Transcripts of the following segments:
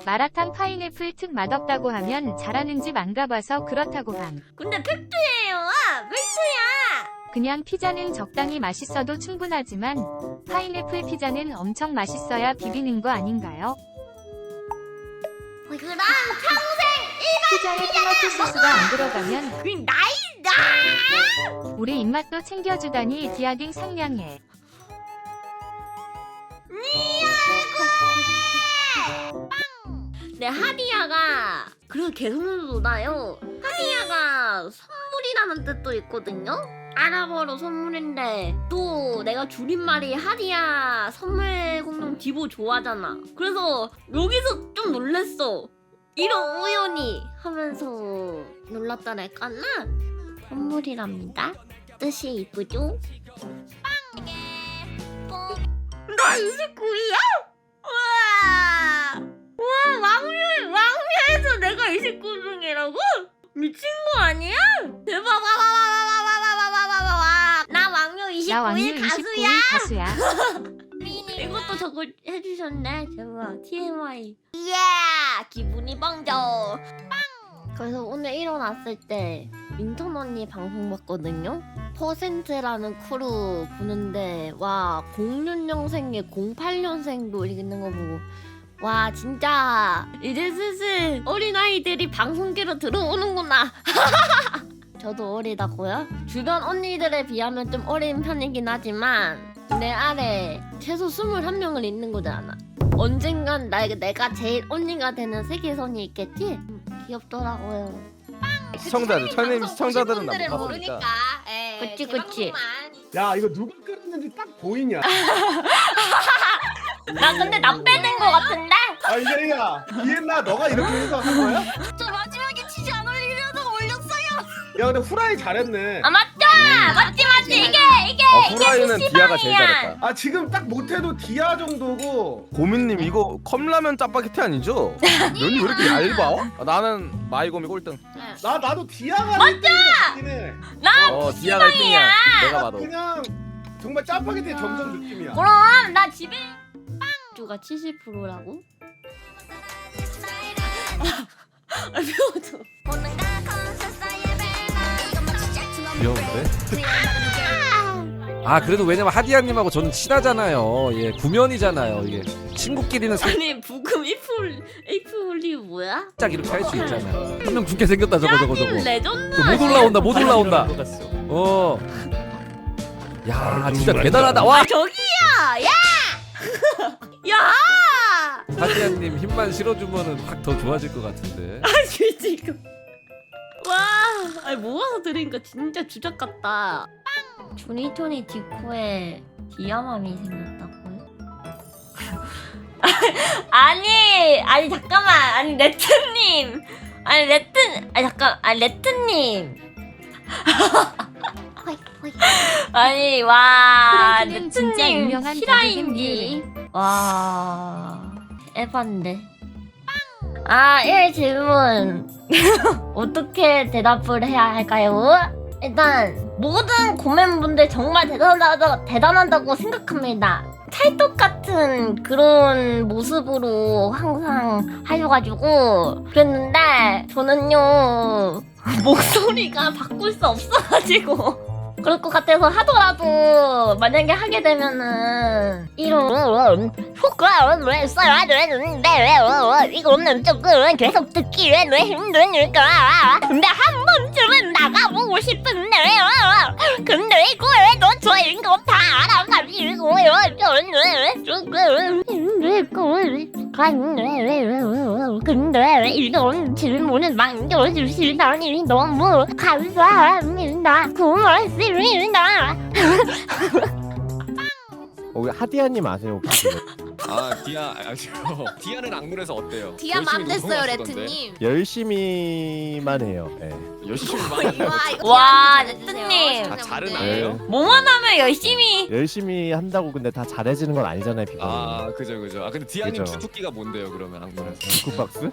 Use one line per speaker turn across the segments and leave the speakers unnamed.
마라탕 파인애플 특 맛없다고 하면 잘하는 집 안 가봐서 그렇다고 함.
근데 팩트예요. 팩트야.
그냥 피자는 적당히 맛있어도 충분하지만 파인애플 피자는 엄청 맛있어야 비비는 거 아닌가요?
그럼 평생
피자에 토마토 소스가 안 들어가면
그 나이다.
우리 입맛도 챙겨주다니 디아딩 상냥해.
네, 하디야가 그리고 계속 놀아요. 하디야가 선물이라는 뜻도 있거든요. 아랍어로 선물인데 또 내가 줄임말이 하디야 선물 공룡 디보 좋아하잖아. 그래서 여기서 좀 놀랬어. 이런 우연히 하면서 놀랐다랄까나. 선물이랍니다. 뜻이 이쁘죠? 나 29이야? 우와! 왕묘에서 내가 29중이라고? 미친 거 아니야? 대박! 나 왕묘 29일
나 왕류
가수야!
29일 가수야.
이것도 저거 해주셨네. 대박. TMI. 예! 기분이 빵져. 그래서 오늘 일어났을 때 민턴 언니 방송 봤거든요. 퍼센트라는 크루 보는데 와 06년생에 08년생도 있는 거 보고 와 진짜 이제 슬슬 어린아이들이 방송계로 들어오는구나. 저도 어리다고요? 주변 언니들에 비하면 좀 어린 편이긴 하지만 내 아래 최소 21명을 있는 거잖아. 언젠간 내가 제일 언니가 되는 세계선이 있겠지? 귀엽더라고요.
시청자들, 천님 시청자들은 나
분들은
못
모르니까.
봤으니까.
그치 그치.
야 이거 누가 끓였는지 딱 보이냐?
나 근데 나 빼는 거 같은데?
아 이제야 이했나 너가 이렇게 해서 한 거야?
저 마지막에 치즈 안 올리려다가 올렸어요.
야 근데 후라이 잘했네.
아 맞죠? 맞지 이게
후라이는 디아가 제일 잘했다.
아 지금 딱 못해도 디아 정도고.
고민님 이거 컵라면 짜파게티 아니죠? 면이 왜 이렇게 얇아? 나는 마이곰이 꼴등.
나도 디아가 맞다.
디아가 1등이야. 내가 봐도.
그냥 정말 짜파게티의 정석 느낌이야.
그럼 나 집에 주가 70%라고? 아 배워줘.
귀여운데? 아 그래도 왜냐면 하디야님하고 저는 친하잖아요. 예, 구면이잖아요. 이게 친구끼리는
아니 부금 이프홀리 뭐야?
살짝 이렇게 할 수 있잖아. 한 명 죽게 생겼다 저거.
레전드.
못 올라온다 못 올라온다. 어. 야 진짜 대단하다. 와
저기야 야. 야.
하디야님 힘만 실어주면은 확 더 좋아질 것 같은데.
아 지금. 와, 아니 모아서 들으니까 진짜 주작 같다. 조니토니 디코에 디아맘이 생겼다고요? 아니 잠깐만, 아니 레트님, 레트님. 아니 와
프랭크는 진짜
레트님
유명한
실화인지 와 에반데. 아 1질문 어떻게 대답을 해야 할까요? 일단 모든 고맨분들 정말 대단하다고 생각합니다. 찰떡 같은 그런 모습으로 항상 하셔가지고 그랬는데 저는요 목소리가 바꿀 수 없어가지고 그럴 것 같아서 하더라도 만약에 하게 되면은 이런 효과를 왜 써야 되는데 이거는 조금 계속 듣기 왜 힘드니까 근데 한 번쯤은 나가보고 싶은데 근데 이거 왜 너 저인 거 다 알아가지고요 조금 근데 이런 질문을 남겨주시다니 너무 감사합니다. 고맙습니다.
우리 하디야님 아세요 혹시?
아 디아 디아는 악물에서 어때요?
디아 맘 됐어요 레트님.
열심히만 해요. 네.
열심히 많이 해요.
와 레트님
다 잘은 안
네.
해요?
뭐만 하면 열심히
열심히 한다고 근데 다 잘해지는 건 아니잖아요, 비가.
아 그죠. 아 근데 디아님
그죠.
주특기가 뭔데요 그러면 악물에서?
굿박스?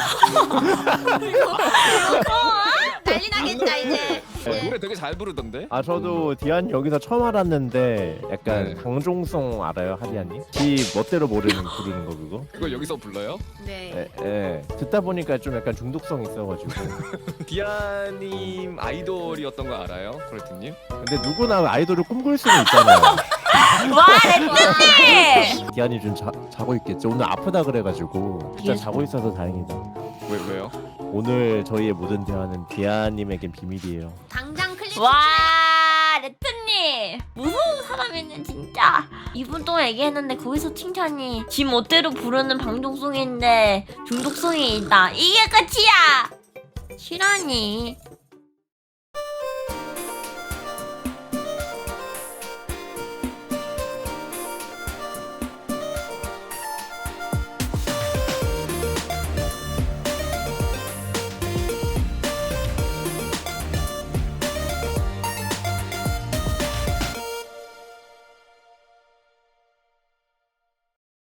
난리 나겠다 이제.
노래 되게 잘 부르던데?
아 저도 디안 여기서 처음 알았는데 약간
네.
강종성 알아요, 하디야님? 지 멋대로 말로 부르는 거 그거?
그걸 여기서 불러요?
네.
예. 듣다 보니까 좀 약간 중독성 있어가지고.
디아님 아이돌이었던 거 알아요? 코레트님?
근데 누구나 아이돌을 꿈꿀 수는 있잖아요.
와 레트님.
디안이 좀 자고 있겠죠. 오늘 아프다 그래가지고 진짜
예.
자고 있어서 다행이다.
왜요?
오늘 저희의 모든 대화는 디아님에겐 비밀이에요.
당장 클릭.
와 레트님 무서운 사람이네 진짜. 2분 동안 얘기했는데 거기서 칭찬이 지 멋대로 부르는 방송송인데 중독성이 있다. 이게 끝이야. 실화니?